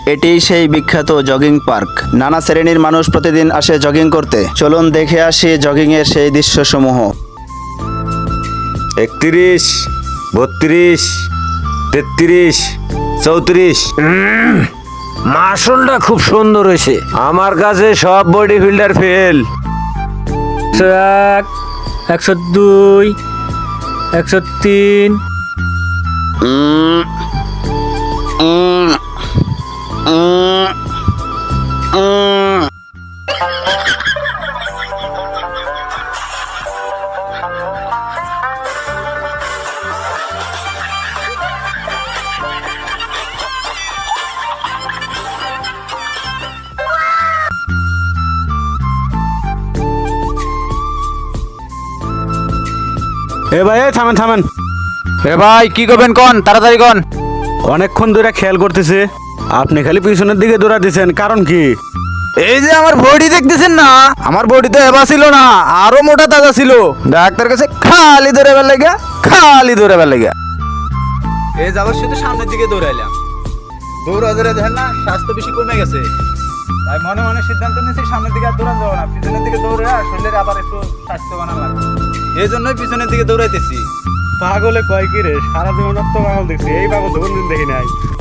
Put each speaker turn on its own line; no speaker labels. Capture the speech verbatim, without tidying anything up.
এটি সেই বিখ্যাত জগিং পার্ক। নানা শ্রেণীর মানুষ প্রতিদিন আসে জগিং করতে। চলুন দেখে আসি জগিং এর সেই দৃশ্যসমূহ।
একত্রিশ, বত্রিশ, তেত্রিশ, চৌত্রিশ। মাসুলটা খুব সুন্দর হয়েছে। আমার কাছে সব বডি ফিল্ডার ফেল।
একশো এক, একশো দুই, একশো তিন।
উম, উম, উম, উম।
এ ভাই এই থামেন থামেন।
এ ভাই কি করবেন কোন, তাড়াতাড়ি কোন।
অনেকক্ষণ ধরে খেয়াল করতেছে আপনি খালি পিছনের দিকে দৌড়া দিচ্ছেন, কারণ কি?
এই যে আমার বডি দেখতেছেন না, আমার বডি তো এবার ছিল না, আরো মোটা তাজা ছিল। ডাক্তার কাছে খালি দৌড়ে বের লেগে, খালি দৌড়ে বের লেগে। এই যাবার শুধু সামনের দিকে দৌড়াইলাম, দৌড়া দৌড়ে দেখেন না স্বাস্থ্য বেশি কমে গেছে। তাই মনে মনে সিদ্ধান্ত নিয়েছি সামনের দিকে আর দৌড়ান যাবো না, পিছনের দিকে দৌড়ে শরীরের আবার একটু স্বাস্থ্য বানা লাগবে। এই জন্যই পিছনের দিকে দৌড়াইতেছি।
পাগলে কয় কি রে, সারা জীবন তো পাগল দেখছি, এই পাগল তো কোনদিন দেখি নাই।